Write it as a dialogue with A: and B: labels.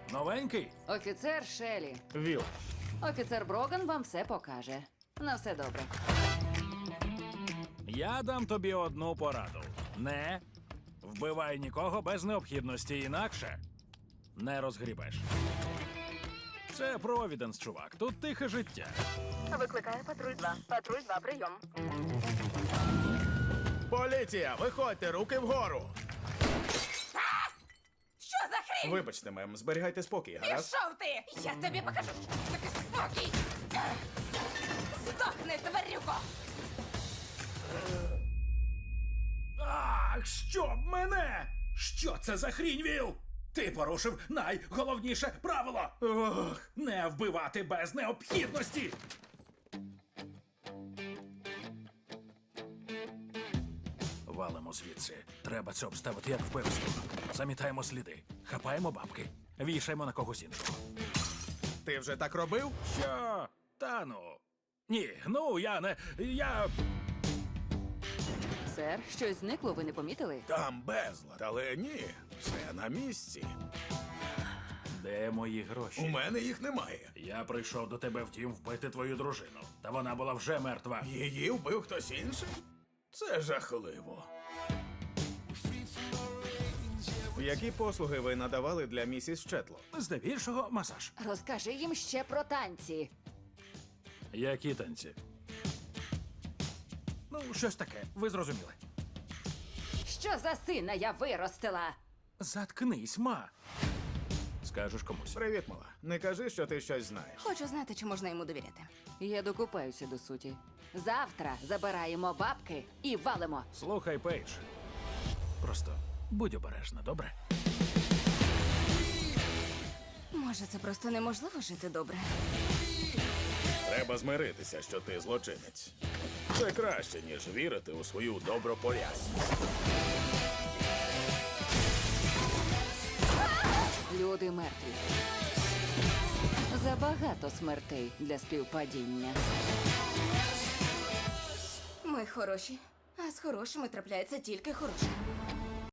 A: Новенький?
B: Офіцер Шелі.
A: Віл.
B: Офіцер Броган вам все покаже. На все добре.
A: Я дам тобі одну пораду. Не вбивай нікого без необхідності, інакше не розгрібеш. Це Провіденс, чувак. Тут тихе життя.
C: Викликає патруль 2. Патруль 2, прийом.
D: Поліція, виходьте, руки вгору!
C: Що за хрінь?
D: Вибачте, мем, зберігайте спокій, гаразд?
C: Пішов ти! Я тобі покажу, що таке спокій! Здохни, тварюко!
A: Ах, щоб мене! Що це за хрінь, Віл? Ти порушив найголовніше правило! Ох, не вбивати без необхідності! Валимо звідси. Треба це обставити як вбивство. Замітаємо сліди, хапаємо бабки, вішаємо на когось іншого.
D: Ти вже так робив?
A: Що? Та ну. Ні, ну я не. Я.
B: Сер, щось зникло, ви не помітили?
D: Там безлад, але ні, все на місці.
A: Де мої
D: У
A: гроші?
D: мене їх немає.
A: Я прийшов до тебе в дім вбити твою дружину. Та вона була вже мертва.
D: Її вбив хтось інший? Це жахливо. Які послуги ви надавали для місіс Четло?
A: Здебільшого масаж.
B: Розкажи їм ще про танці.
A: Які танці? Ну, щось таке. Ви зрозуміли.
B: Що за сина я виростила?
A: Заткнись, ма. Скажеш комусь.
D: Привіт, мала. Не кажи, що ти щось знаєш.
C: Хочу знати, чи можна йому довіряти.
B: Я докупаюся до суті. Завтра забираємо бабки і валимо.
A: Слухай, Пейдж. Просто будь обережна, добре?
C: Може, це просто неможливо жити добре?
D: Треба змиритися, що ти злочинець. Це краще, ніж вірити у свою добропорядність.
B: Люди мертві. Забагато смертей для співпадіння.
C: Ми хороші, а з хорошими трапляється тільки хороше.